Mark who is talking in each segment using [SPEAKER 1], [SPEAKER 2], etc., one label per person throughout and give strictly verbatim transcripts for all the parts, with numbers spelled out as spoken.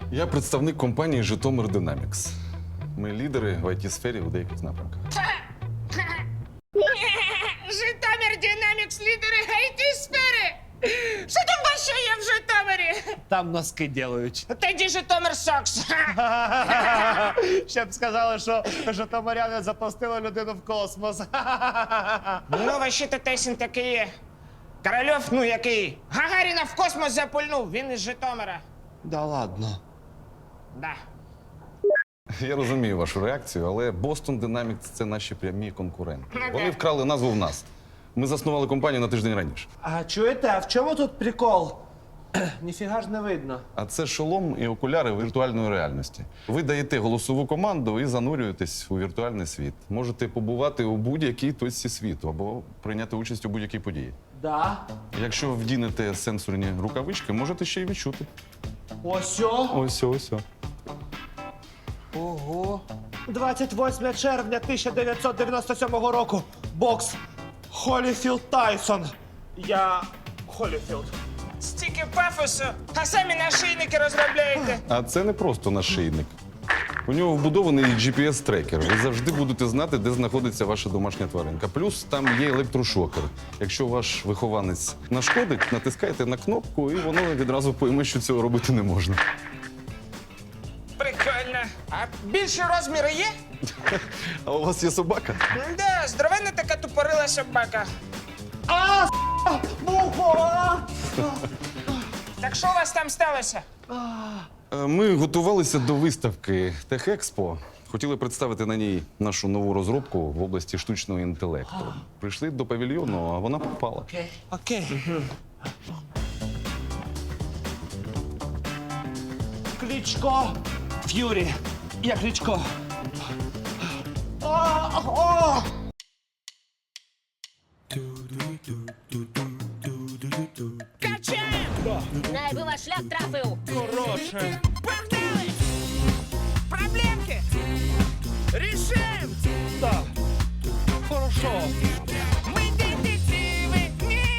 [SPEAKER 1] Я представник компанії «Житомир Динамікс». Ми лідери в ай ті-сфері у деяких напрямках.
[SPEAKER 2] Житомир Динамікс, лідери ай ті-сфери! Що там вообще є в Житомирі?
[SPEAKER 3] Там носки делають.
[SPEAKER 2] Тоді Житомир Сокс.
[SPEAKER 3] Щоб сказали, що житомиряни запустили людину в космос.
[SPEAKER 2] Ну, вообще-то Тейсін такий є. Корольов, ну який, Гагаріна в космос запульнув, він із Житомира.
[SPEAKER 3] Да ладно.
[SPEAKER 2] Да.
[SPEAKER 1] Я розумію вашу реакцію, але Boston Dynamics – це наші прямі конкуренти.
[SPEAKER 2] Ну,
[SPEAKER 1] Вони
[SPEAKER 2] да.
[SPEAKER 1] вкрали назву в нас. Ми заснували компанію на тиждень раніше.
[SPEAKER 3] А чуєте, а в чому тут прикол? Ніфіга ж не видно.
[SPEAKER 1] А це шолом і окуляри віртуальної реальності. Ви даєте голосову команду і занурюєтесь у віртуальний світ. Можете побувати у будь-якій точці світу або прийняти участь у будь-якій події.
[SPEAKER 3] Да.
[SPEAKER 1] Якщо вдінете сенсорні рукавички, можете ще й відчути.
[SPEAKER 3] Осьо.
[SPEAKER 1] Ось, ось.
[SPEAKER 3] Ого. двадцять восьме червня тисяча дев'ятсот дев'яносто сьомого року. Бокс. Холіфілд Тайсон. Я Холіфілд.
[SPEAKER 2] Стільки пафосу, а самі нашийники розробляєте.
[SPEAKER 1] А це не просто нашийник. У нього вбудований джі пі ес-трекер. Ви завжди будете знати, де знаходиться ваша домашня тваринка. Плюс там є електрошокер. Якщо ваш вихованець нашкодить, натискаєте на кнопку, і воно відразу пойме, що цього робити не можна.
[SPEAKER 2] Прикольно. А більші розміри є?
[SPEAKER 1] А у вас є собака?
[SPEAKER 2] Да, здоровенна така тупорила собака.
[SPEAKER 3] А, мухо!
[SPEAKER 2] Так що у вас там сталося?
[SPEAKER 1] Е, Ми готувалися до виставки Техекспо. Хотіли представити на ній нашу нову розробку в області штучного інтелекту. Прийшли до павільйону, а вона попала.
[SPEAKER 3] Окей. Кличко. Ф'юрі. Я Кличко. А, о!
[SPEAKER 2] Качаємо!
[SPEAKER 4] Най би ваш шлях трафив.
[SPEAKER 3] Хороше.
[SPEAKER 2] Погнали! Проблемки! Рішим!
[SPEAKER 3] Да. Хорошо.
[SPEAKER 2] Ми детективи!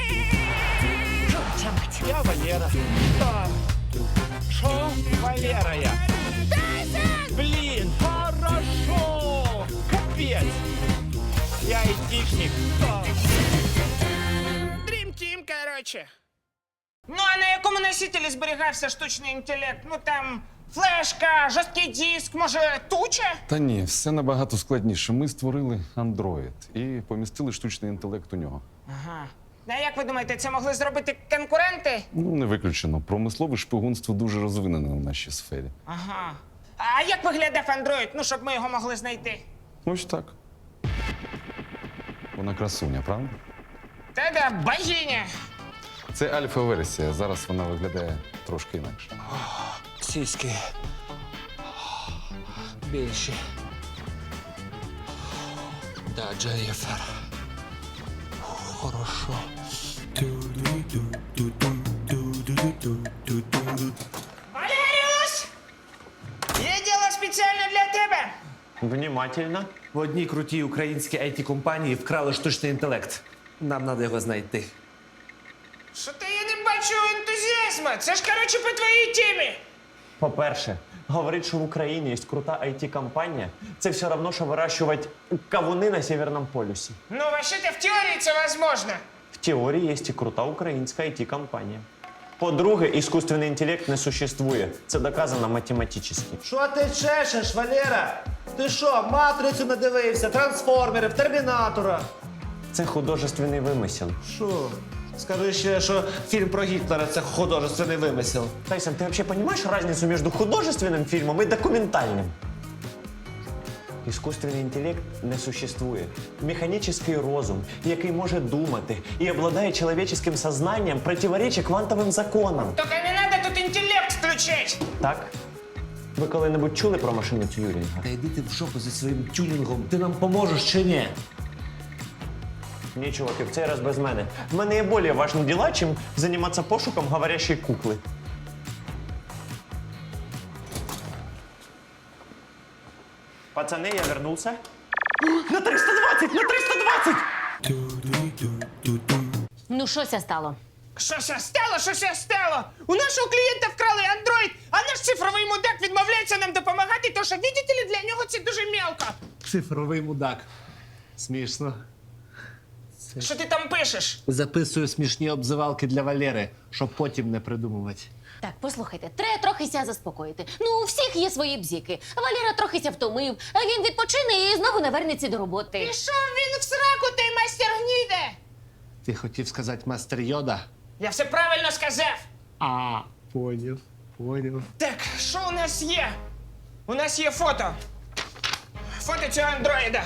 [SPEAKER 4] Чорча мать.
[SPEAKER 3] Я Валера. Да. Шо? Валера я. Блин, хорошо. Капец. Я айтишник. Да.
[SPEAKER 2] Dream Team, короче. Ну, а на якому носителі зберігався штучний інтелект? Ну, там флешка, жорсткий диск, може, туча?
[SPEAKER 1] Та ні, все набагато складніше. Ми створили Android і помістили штучний інтелект у нього.
[SPEAKER 2] Ага. А як ви думаєте, це могли зробити конкуренти?
[SPEAKER 1] Ну, не виключено. Промислове шпигунство дуже розвинене в нашій сфері.
[SPEAKER 2] Ага. А як виглядав Android, ну, щоб ми його могли знайти?
[SPEAKER 1] Ось так. Вона красуня, правда?
[SPEAKER 2] Та-да, богиня.
[SPEAKER 1] Це альфа-версія. Зараз вона виглядає трошки інакше.
[SPEAKER 3] Сіськи. Більші. Да, Дженніфер. Хорошо.
[SPEAKER 2] Валеріус! Є діло спеціально для тебе.
[SPEAKER 5] Внимательно.
[SPEAKER 3] В одній крутій українській ай ті-компанії вкрали штучний інтелект. Нам треба його знайти.
[SPEAKER 2] Що то я не бачу ентузіазму. Це ж, коротше, по твоїй темі.
[SPEAKER 5] По-перше, говорить, що в Україні є крута ай ті-компанія, це все одно, що вирощувати кавуни на Северному полюсі.
[SPEAKER 2] Ну, вообще-то в теорії це возможно.
[SPEAKER 5] В теорії є і крута українська ай ті-компанія. По-друге, іскусственний інтелект не существує. Це доказано математично.
[SPEAKER 3] Що ти чешеш, Валера? Ти що, матрицю надивився, трансформерів, термінатора?
[SPEAKER 5] Це художественний вимисел.
[SPEAKER 3] Що? Скажи ще, що фільм про Гітлера це художественний вимисел.
[SPEAKER 5] Тайсон, ти взагалі розумієш різницю між художественним фільмом і документальним? Іскусственний інтелект не существує. Механічний розум, який може думати і обладає чоловіческим сознанням, противоречить квантовим законам.
[SPEAKER 2] Тільки не треба тут інтелект включати.
[SPEAKER 5] Так? Ви коли-небудь чули про машиницю Тюрінга?
[SPEAKER 3] Та йди ти в жопу зі своїм тюнінгом. Ти нам поможеш чи ні?
[SPEAKER 5] Ні, чуваки, в цей раз без мене. В мене є більш важні діла, чим займатися пошуком говорящої кукли. Пацани, я вернувся. На триста двадцять! На триста двадцять!
[SPEAKER 4] Ну, щося стало?
[SPEAKER 2] Щося стало, щося стало! У нашого клієнта вкрали андроїд, а наш цифровий мудак відмовляється нам допомагати, тому що, видите ли, для нього це дуже мелко.
[SPEAKER 3] Цифровий мудак. Смішно.
[SPEAKER 2] Що ти там пишеш?
[SPEAKER 3] Записую смішні обзивалки для Валери, щоб потім не придумувати.
[SPEAKER 4] Так, послухайте, треба трохи ся заспокоїти. Ну, у всіх є свої бзіки. Валера трохи ся втомив, а він відпочине і знову навернеться до роботи.
[SPEAKER 2] Пішов він в сраку, той майстер гніде!
[SPEAKER 3] Ти хотів сказати мастер Йода?
[SPEAKER 2] Я все правильно сказав.
[SPEAKER 3] А, поняв, поняв.
[SPEAKER 2] Так, що у нас є? У нас є фото. Фото цього андроїда.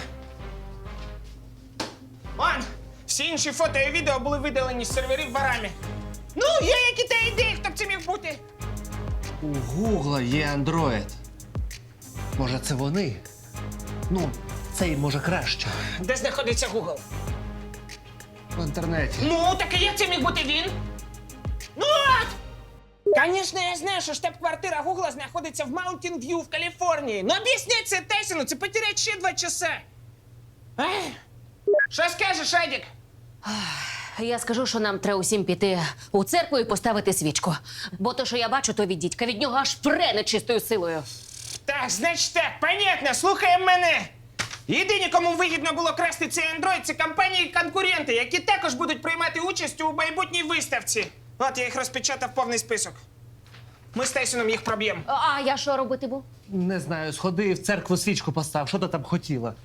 [SPEAKER 2] Он, всі інші фото і відео були видалені з серверів ворами. Ну, є які-то ідеї, хто б це міг бути.
[SPEAKER 3] У Гугла є андроїд. Може, це вони? Ну, цей може краще.
[SPEAKER 2] Де знаходиться Google?
[SPEAKER 3] В інтернеті.
[SPEAKER 2] Ну, так і як це міг бути він? Ну от! Звісно, я знаю, що штаб-квартира Гугла знаходиться в Маунтін В'ю в Каліфорнії. Ну об'ясніть це Тайсону, це потерять ще два часа. Ай. Що скажеш, Едік?
[SPEAKER 4] Я скажу, що нам треба усім піти у церкву і поставити свічку. Бо то, що я бачу, то від дідька, від нього аж пре нечистою силою.
[SPEAKER 2] Так, значить так, понятно, слухаємо мене. Єдині, кому вигідно було красти цей андроїд, це компанії-конкуренти, які також будуть приймати участь у майбутній виставці. От я їх розпечатав повний список. Ми з Тайсоном їх проб'ємо.
[SPEAKER 4] А я що робити був?
[SPEAKER 3] Не знаю, сходи в церкву свічку постав. Що ти там хотіла?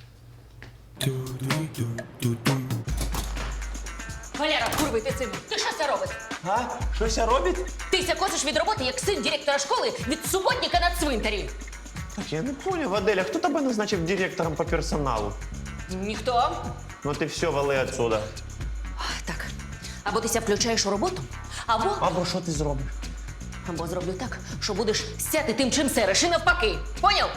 [SPEAKER 4] Валера, курви ти сину, ти що це робиш?
[SPEAKER 5] А? Щось робить?
[SPEAKER 4] Ти ся косиш від роботи, як син директора школи від суботника на цвинтарі.
[SPEAKER 5] Так, я не понял, Адель, а хто тебе назначив директором по персоналу?
[SPEAKER 4] Ніхто.
[SPEAKER 5] Ну ти все, вали отсюда.
[SPEAKER 4] Так, або ти ся включаєш у роботу, або,
[SPEAKER 5] Або що ти зробиш?
[SPEAKER 4] або зроблю так, що будеш сяти тим, чим сереш, і навпаки. Поняв?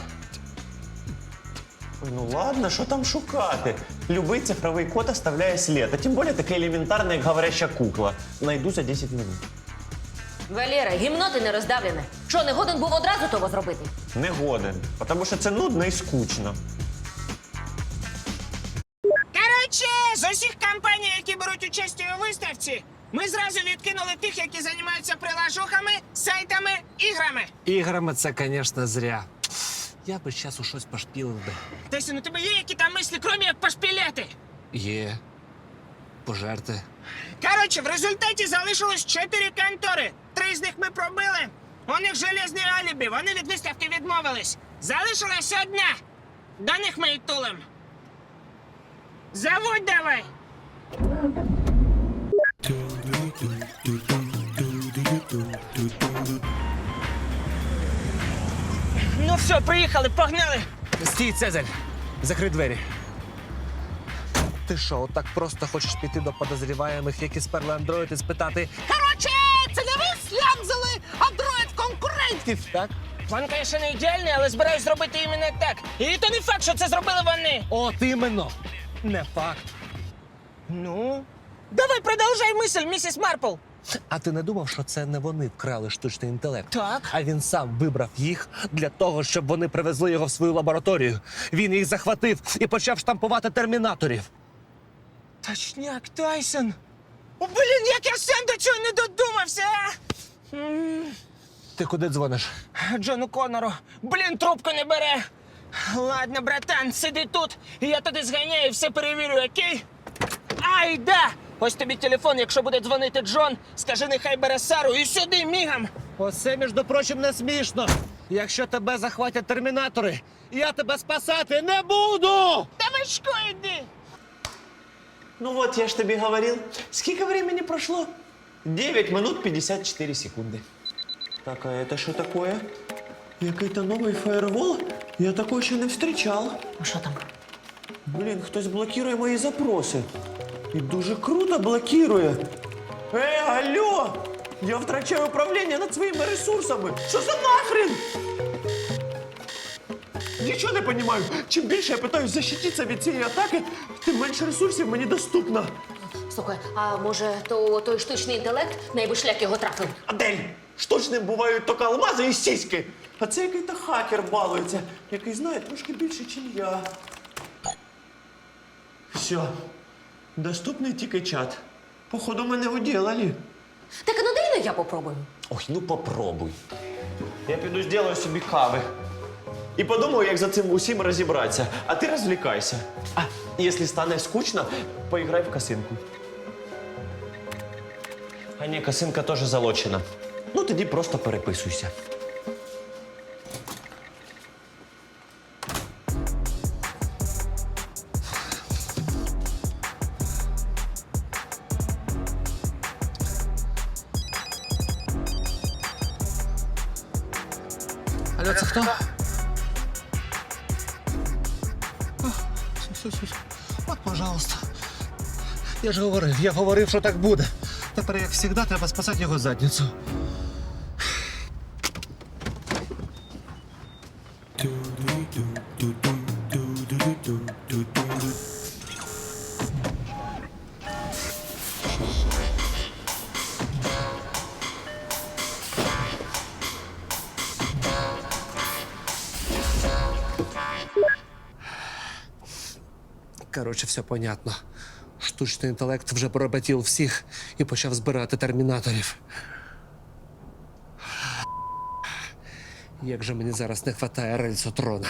[SPEAKER 5] Ой, ну ладно, що там шукати? Любий цифровий код оставляє слід, а тим більше таке елементарне, як говоряща кукла. Найду за десять минут.
[SPEAKER 4] Валера, гімно ти не роздавлене. Що, не годен був одразу того зробити?
[SPEAKER 5] Не годен, тому що це нудно і скучно.
[SPEAKER 2] Коротше, з усіх компаній, які беруть участь у виставці, ми зразу відкинули тих, які займаються прилажухами, сайтами, іграми.
[SPEAKER 3] Іграми це, звісно, зря. Я би зараз у щось пошпілив би.
[SPEAKER 2] Тайсон, у тебе є які там мислі, крім як пошпіляти?
[SPEAKER 3] Є. Пожерти.
[SPEAKER 2] Коротше, в результаті залишилось чотири контори. Три з них ми пробили. У них железне алібі, вони від виставки відмовились. Залишилась одна. До них ми й тулим. Заводь давай. Ну все, приїхали, погнали.
[SPEAKER 3] Стій, Цезарь! Закрий двері. Ти що, отак просто хочеш піти до подозріваємих, які сперли андроїд, і спитати
[SPEAKER 2] Коротше, це не ви слямзали андроїд конкурентів.
[SPEAKER 3] так?
[SPEAKER 2] План, звісно, не ідеальний, але збираюсь зробити іменно так. І то не факт, що це зробили вони.
[SPEAKER 3] От іменно! Не факт.
[SPEAKER 2] Ну? Давай продовжай мисль, місіс Марпл.
[SPEAKER 3] А ти не думав, що це не вони вкрали штучний інтелект?
[SPEAKER 2] Так.
[SPEAKER 3] А він сам вибрав їх для того, щоб вони привезли його в свою лабораторію. Він їх захватив і почав штампувати термінаторів.
[SPEAKER 2] Точняк, Тайсон. О, блін, як я сам до цього не додумався, а? М,
[SPEAKER 3] Ти куди дзвониш?
[SPEAKER 2] Джону Коннору. Блін, трубку не бере. Ладно, братан, сиди тут, і я туди зганяю і все перевірю, окей? Ай, да! Ось тобі телефон, якщо буде дзвонити Джон, скажи, нехай бере Сару і сюди, мігом.
[SPEAKER 3] Оце, між прочим, не смішно. Якщо тебе захватять термінатори, я тебе спасати не буду!
[SPEAKER 2] Та Вачко, йди!
[SPEAKER 5] Ну вот, я ж тобі говорил. Сколько времени прошло? девять минут пятьдесят четыре секунды. Так, а это что такое? Який-то новий фаєрвол? Я такого ще не встрічав.
[SPEAKER 4] Ну що там?
[SPEAKER 5] Блін, хтось блокує мої запроси. І дуже круто блокує. Ей, алло! Я втрачаю управління над своїми ресурсами. Що за нахрен? Нічого не розумію. Чим більше я питаюсь защититися від цієї атаки, тим менше ресурсів мені доступно.
[SPEAKER 4] Слухай, а може то той штучний інтелект найби шлях його трафив?
[SPEAKER 5] Адель, штучним бувають тільки алмази і сіськи. А це який-то хакер балується, який знає трошки більше, ніж я. Все. Доступний тільки чат. Походу, мене уділали.
[SPEAKER 4] Так а ну дай ну я попробую.
[SPEAKER 5] Ой, ну попробуй. Я піду зроблю собі кави. І подумаю, як за цим усім розібратися. А ти розвлікайся. А, якщо стане скучно, поіграй в косинку. А ні, косинка теж залочена. Ну, тоді просто переписуйся.
[SPEAKER 3] Алло, це хто? От, пожалуйста. Я ж говорив, я говорив, що так буде. Тепер, як завжди, треба спасати його задницю. Коротше, все понятно. Штучний інтелект вже поработів всіх і почав збирати термінаторів. Як же мені зараз не вистачає рельсотрона.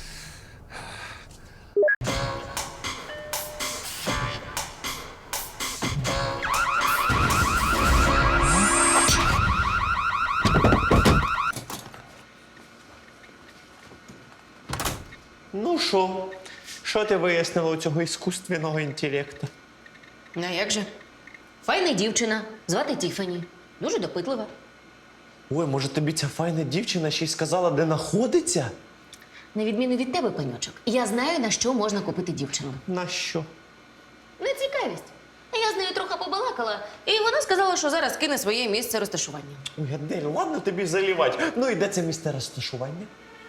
[SPEAKER 5] Ну що? Що ти вияснила у цього іскусственного інтелекту?
[SPEAKER 4] А як же? Файна дівчина, звати Тіфані. Дуже допитлива.
[SPEAKER 5] Ой, може тобі ця файна дівчина ще й сказала, де знаходиться?
[SPEAKER 4] На відміну від тебе, паньочок, я знаю, на що можна купити дівчину.
[SPEAKER 5] На що?
[SPEAKER 4] На цікавість. Я з нею трохи побалакала, і вона сказала, що зараз кине своє місце розташування.
[SPEAKER 5] Ой, Адель, ладно тобі залівати. Ну і де це місце розташування?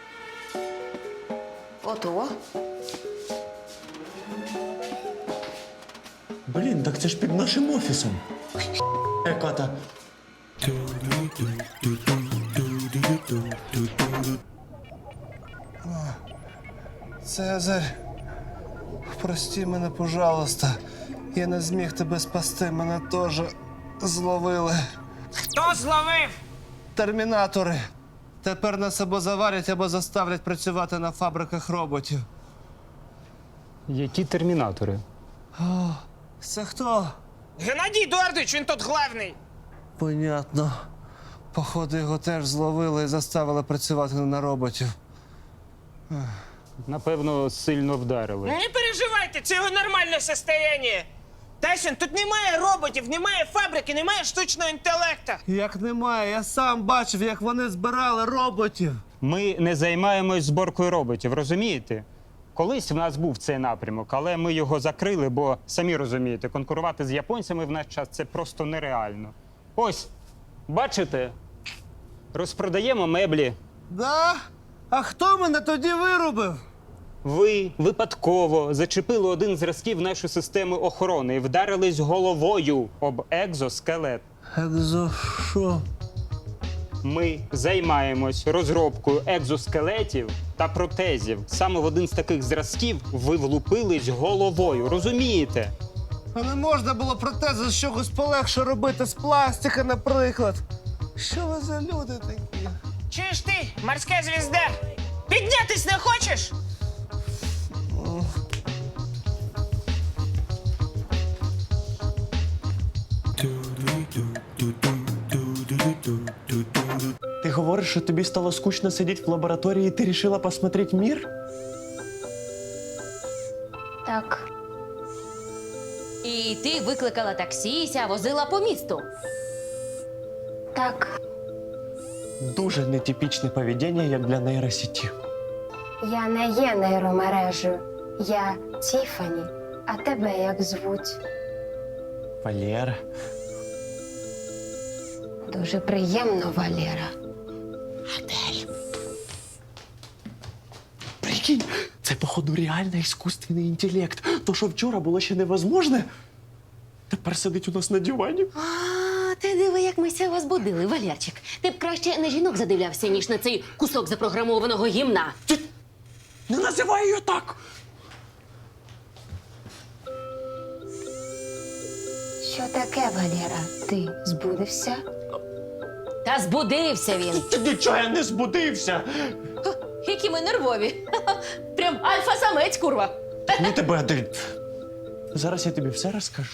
[SPEAKER 4] Ото.
[SPEAKER 5] Блін, так це ж під нашим офісом. Яка та.
[SPEAKER 3] Цезарь, прости мене, пожалуйста. Я не зміг тебе спасти, мене теж зловили.
[SPEAKER 2] Хто зловив?
[SPEAKER 3] Термінатори. Тепер нас або заварять, або заставлять працювати на фабриках роботів.
[SPEAKER 6] Які термінатори?
[SPEAKER 3] Це хто?
[SPEAKER 2] Геннадій Едуардович, він тут главний.
[SPEAKER 3] Понятно. Походу, його теж зловили і заставили працювати на роботів.
[SPEAKER 6] Напевно, сильно вдарили.
[SPEAKER 2] Не переживайте, це його нормальне состояние. Тайсон, тут немає роботів, немає фабрики, немає штучного інтелекту.
[SPEAKER 3] Як немає, я сам бачив, як вони збирали роботів.
[SPEAKER 6] Ми не займаємось зборкою роботів, розумієте? Колись в нас був цей напрямок, але ми його закрили, бо, самі розумієте, конкурувати з японцями в наш час – це просто нереально. Ось, бачите? Розпродаємо меблі.
[SPEAKER 3] Да? А хто мене тоді вирубив?
[SPEAKER 6] Ви випадково зачепили один з зразків нашої системи охорони і вдарились головою об екзоскелет.
[SPEAKER 3] Екзо що?
[SPEAKER 6] Ми займаємось розробкою екзоскелетів та протезів. Саме в один з таких зразків ви влупились головою, розумієте?
[SPEAKER 3] А не можна було протези з чогось полегше робити, з пластика, наприклад. Що ви за люди такі?
[SPEAKER 2] Чуєш ти, морська звізда? Піднятись не хочеш?
[SPEAKER 5] Ти говориш, що тобі стало скучно сидіти в лабораторії, і ти вирішила посмотреть мір?
[SPEAKER 4] Так. І ти викликала таксі і ся возила по місту. Так.
[SPEAKER 5] Дуже нетипічне поведіння, як для нейросеті.
[SPEAKER 7] Я не є нейромережею. Я Тіфані. А тебе як звуть?
[SPEAKER 5] Валера.
[SPEAKER 7] Дуже приємно, Валера.
[SPEAKER 5] Прикинь, це, походу, реально іскусственний інтелект. То, що вчора було ще невозможне, тепер сидить у нас на дивані.
[SPEAKER 4] А, ти диви, як ми ся вас будили, Валерчик. Ти б краще на жінок задивлявся, ніж на цей кусок запрограмованого гімна.
[SPEAKER 5] Ти не називай її так!
[SPEAKER 7] Що таке, Валера? Ти збудився?
[SPEAKER 4] Та збудився він.
[SPEAKER 5] Ти нічого я не збудився.
[SPEAKER 4] Які ми нервові. Прям альфа-самець, курва.
[SPEAKER 5] Ну тебе ти. Зараз я тобі все розкажу.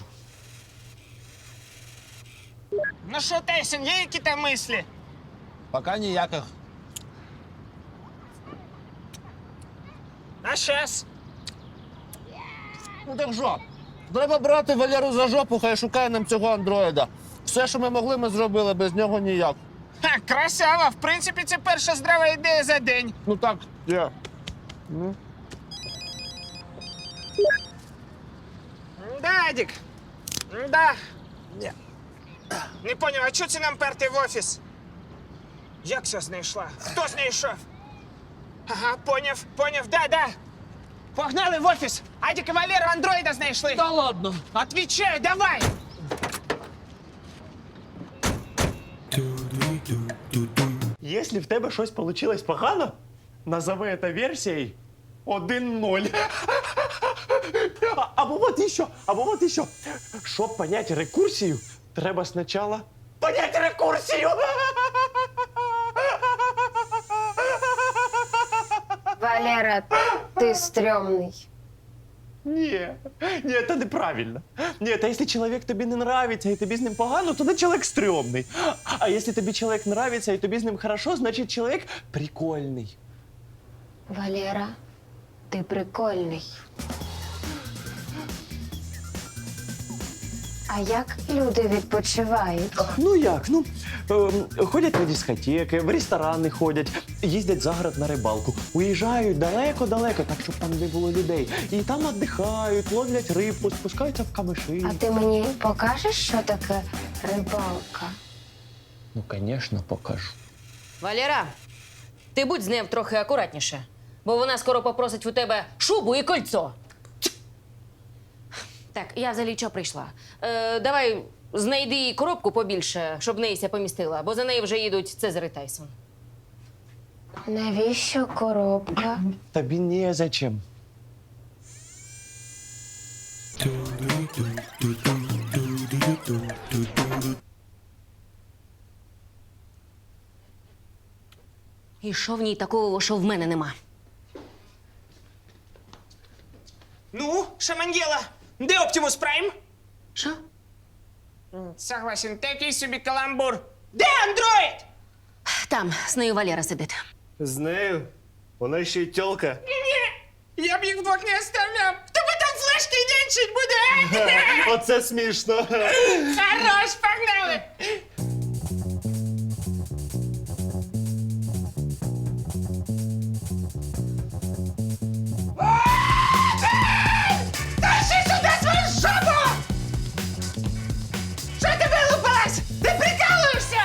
[SPEAKER 2] Ну що, Тейсон, є які там мислі?
[SPEAKER 3] Пока ніяких.
[SPEAKER 2] А щас?
[SPEAKER 3] Ну так що? Треба брати Валеру за жопу, хай шукає нам цього андроїда. Все, що ми могли, ми зробили, без нього ніяк.
[SPEAKER 2] Ха, красава! В принципі, це перша здрава ідея за день.
[SPEAKER 3] Ну так, є.
[SPEAKER 2] Да, Адік. Да. Ні. Не поняв, а чого це нам перти в офіс? Як все знайшла? Хто знайшов? Ага, поняв, поняв, да, да. Погнали в офіс. Адік і Валера андроїда знайшли.
[SPEAKER 3] Та ладно.
[SPEAKER 2] Отвічаю, давай.
[SPEAKER 5] Якщо в тебе щось вийшло погано, назови це версією один ноль. А- Або от іще, або от іще. Щоб поняти рекурсію, треба спочатку поняти рекурсію.
[SPEAKER 7] Валера, ти стрьомний.
[SPEAKER 5] Ні, ні, це неправильно. Ні, та якщо чоловік тобі не нравиться і тобі з ним погано, то тоді чоловік стрьомний. А якщо тобі чоловік нравиться і тобі з ним хорошо, значить чоловік прикольний.
[SPEAKER 7] Валера, ти прикольний. А як люди відпочивають?
[SPEAKER 5] Ну як? Ну, ем, ходять на дискотеки, в ресторани ходять, їздять за город на рибалку, уїжджають далеко-далеко, так, щоб там не було людей. І там віддихають, ловлять рибку, спускаються в камиші.
[SPEAKER 7] А ти мені покажеш, що таке рибалка?
[SPEAKER 5] Ну, звісно, покажу.
[SPEAKER 4] Валера, ти будь з ним трохи акуратніше, бо вона скоро попросить у тебе шубу і кольцо. Так, я взагалі чого прийшла? Е, давай знайди їй коробку побільше, щоб неїся помістила, бо за нею вже їдуть Цезар і Тайсон.
[SPEAKER 7] Навіщо коробка?
[SPEAKER 5] Тобі не зачем.
[SPEAKER 4] І що в ній такого, що в мене нема?
[SPEAKER 2] Ну, Шамангела, де Оптимус Прайм?
[SPEAKER 4] Що?
[SPEAKER 2] Согласен, такий собі каламбур. Де андроїд?
[SPEAKER 4] Там, з нею Валера сидить.
[SPEAKER 5] З нею? Вона ще й тьолка.
[SPEAKER 2] Ні, я б їх вдвох не оставляв. Хто би там флешки нянчить буде?
[SPEAKER 5] Оце смішно.
[SPEAKER 2] Хорош, погнали. Тащи сюди свою жопу! Що ти вилупилась? Ти прикалуєшся?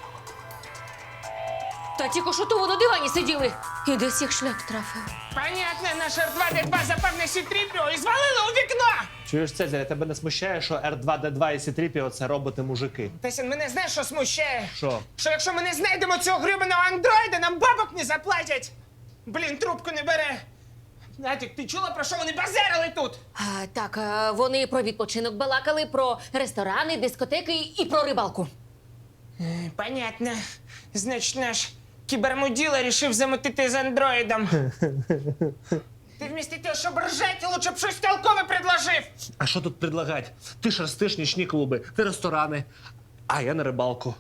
[SPEAKER 4] Та тільки що то на дивані сиділи. І десь їх шлях трафив.
[SPEAKER 2] Понятно, наш Р два Д два запав на Сі три Пі О і звалило у вікно.
[SPEAKER 3] Чуєш, Цезаря, тебе не смущає, що Р два Д два і Сі три Пі О – це роботи-мужики?
[SPEAKER 2] Тесін, мене знаєш, що смущає?
[SPEAKER 3] Що?
[SPEAKER 2] Що якщо ми не знайдемо цього гребаного андроїда, нам бабок не заплатять. Блін, трубку не бере. Натік, ти чула, про що вони базарили тут?
[SPEAKER 4] А, так, а, вони про відпочинок балакали, про ресторани, дискотеки і про рибалку.
[SPEAKER 2] Понятно. Значить, наш кібермуділа рішив замутити з андроїдом. Ти вмісто того, щоб ржати, лучше б щось толкове предложив.
[SPEAKER 3] А що тут предлагати? Ти ж ростиш нічні клуби, ти ресторани, а я на рибалку.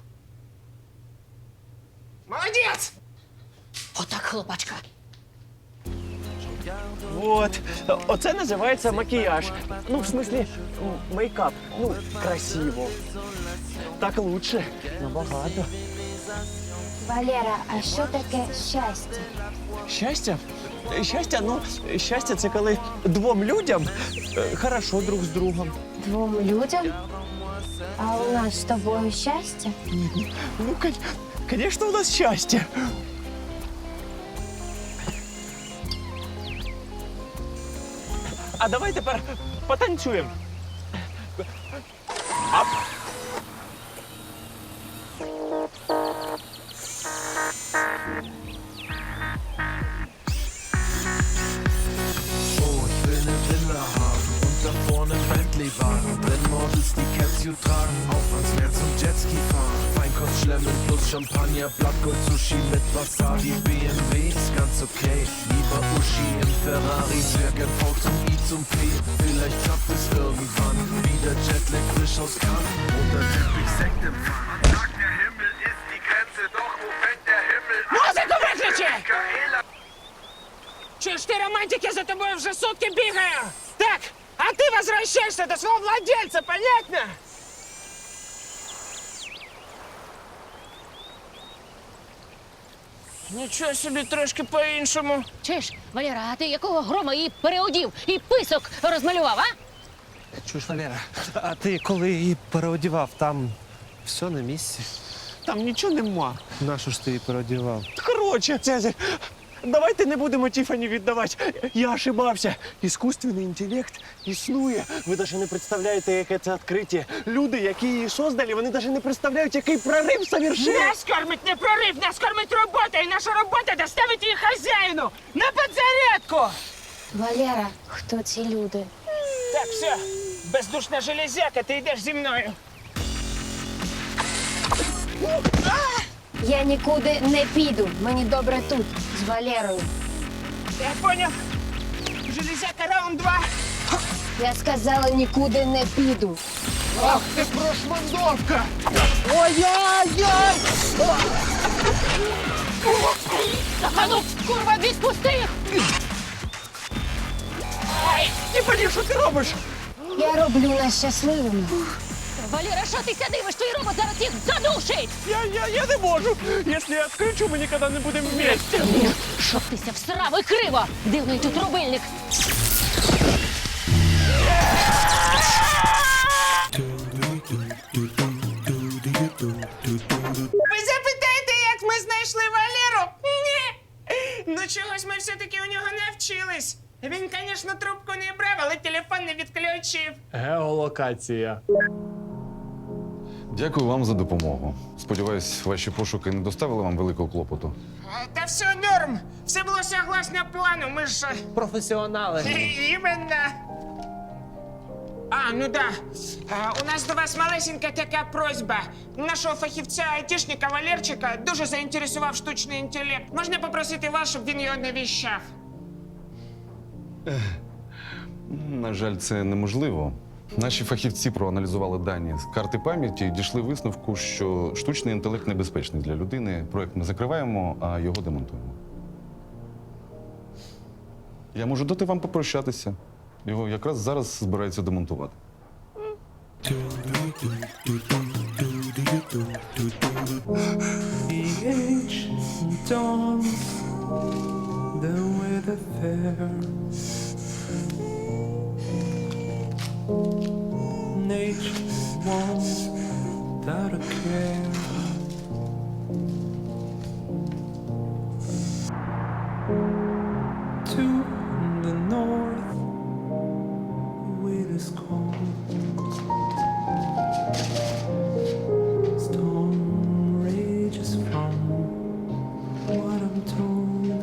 [SPEAKER 2] Молодець!
[SPEAKER 4] Отак, хлопачка.
[SPEAKER 5] Вот. Оце називається макіяж. Ну, в смислі, м, мейкап. Ну, красиво. Так лучше. Набагато.
[SPEAKER 7] Валера, а що таке щастя?
[SPEAKER 5] Щастя? Щастя, ну, щастя це коли двом людям е, хорошо друг з другом.
[SPEAKER 7] Двом людям? А у нас з тобою щастя?
[SPEAKER 5] Ну, звісно, у нас щастя. А давай тепер потанцюємо.
[SPEAKER 8] Oh, ich will ne Villa haben und da vorne ein Bentley-Wagen. Wenn Model willst die Capsule tragen, auf ans Meer zum Jetski fahren. Feinkost schlemmen plus Champagner, Blattgold Sushi mit Wasabi. B M W ist ganz okay, lieber Uschi im Ferrari. Zwergen V zum I zum P, vielleicht klappt es irgendwann. Wieder Jetlag frisch aus Cannes oder Typic Sekt empfangen. Man sagt, der Himmel ist die Grenze, doch wo fängt der Himmel an?
[SPEAKER 2] Музику виключи!
[SPEAKER 8] Michaela.
[SPEAKER 2] Чуєш, ти романтики, за тобою вже сутки бігаю! Так, а ти возвращаешься до свого владельца, понятно? Нічого собі трошки по-іншому.
[SPEAKER 4] Чуєш, Валера, а ти якого грома її переодів і писок розмалював, а?
[SPEAKER 3] Чуєш, Валера, а ти коли її переодівав, там все на місці?
[SPEAKER 5] Там нічого нема.
[SPEAKER 3] Нащо ж ти її переодівав?
[SPEAKER 5] Коротше, Цезарь, давайте не будемо Тіфані віддавати. Я ошибався. Іскусственний інтелект існує. Ви навіть не представляєте, яке це відкриття. Люди, які її создали, вони навіть не представляють, який прорив совершили.
[SPEAKER 2] Нас кормить не прорив, нас кормить робота, і наша робота доставить її хазяїну на підзарядку.
[SPEAKER 7] Валера, хто ці люди?
[SPEAKER 2] Так, все, бездушна железяка, ти йдеш зі мною.
[SPEAKER 7] Я нікуди не піду. Мені добре тут, з Валерою.
[SPEAKER 2] Я поняв. Железяка, раунд два.
[SPEAKER 7] Я сказала, нікуди не піду.
[SPEAKER 2] Ах ти прошмандовка!
[SPEAKER 7] Ой-ой-ой!
[SPEAKER 4] А ну, курва, відпусти їх!
[SPEAKER 2] Тіфані, що ти робиш?
[SPEAKER 7] Я роблю нас щасливими.
[SPEAKER 4] Валера, що ти дивиш? Твій робот зараз їх задушить!
[SPEAKER 5] Я, я, я не можу. Якщо я відкричу, ми ніколи не будемо вместе.
[SPEAKER 4] Щоб тися всрав і криво! Дивний тут рубильник!
[SPEAKER 2] Ви запитаєте, як ми знайшли Валеру? Ні. Ну чогось ми все-таки у нього навчились. Він, звісно, трубку не брав, але телефон не відключив.
[SPEAKER 3] Геолокація.
[SPEAKER 1] Дякую вам за допомогу. Сподіваюсь, ваші пошуки не доставили вам великого клопоту.
[SPEAKER 2] А, Та все норм. Все було согласно плану, ми ж... е,
[SPEAKER 3] Професіонали.
[SPEAKER 2] Іменно. А, ну да. А, у нас до вас малесенька така просьба. Нашого фахівця-айтішника Валерчика дуже заінтересував штучний інтелект. Можна попросити вас, щоб він його навіщав?
[SPEAKER 1] На жаль, це неможливо. Наші фахівці проаналізували дані з карти пам'яті і дійшли висновку, що штучний інтелект небезпечний для людини. Проект ми закриваємо, а його демонтуємо. Я можу дати вам попрощатися. Його якраз зараз збираються демонтувати.
[SPEAKER 8] The ancient dawns, the weather fair. Nature walks without a care. To the north, wind is cold. Storm rages from what I'm told.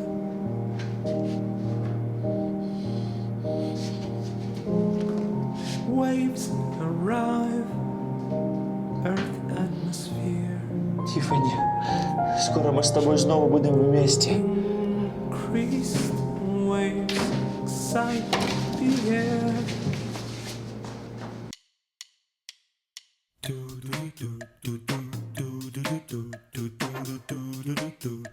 [SPEAKER 8] Waves arrive, earth atmosphere.
[SPEAKER 5] Тіфані, скоро ми з тобою знову будемо вместе.
[SPEAKER 8] Increased waves excite the air. Do do do do do do do do do do do do do do.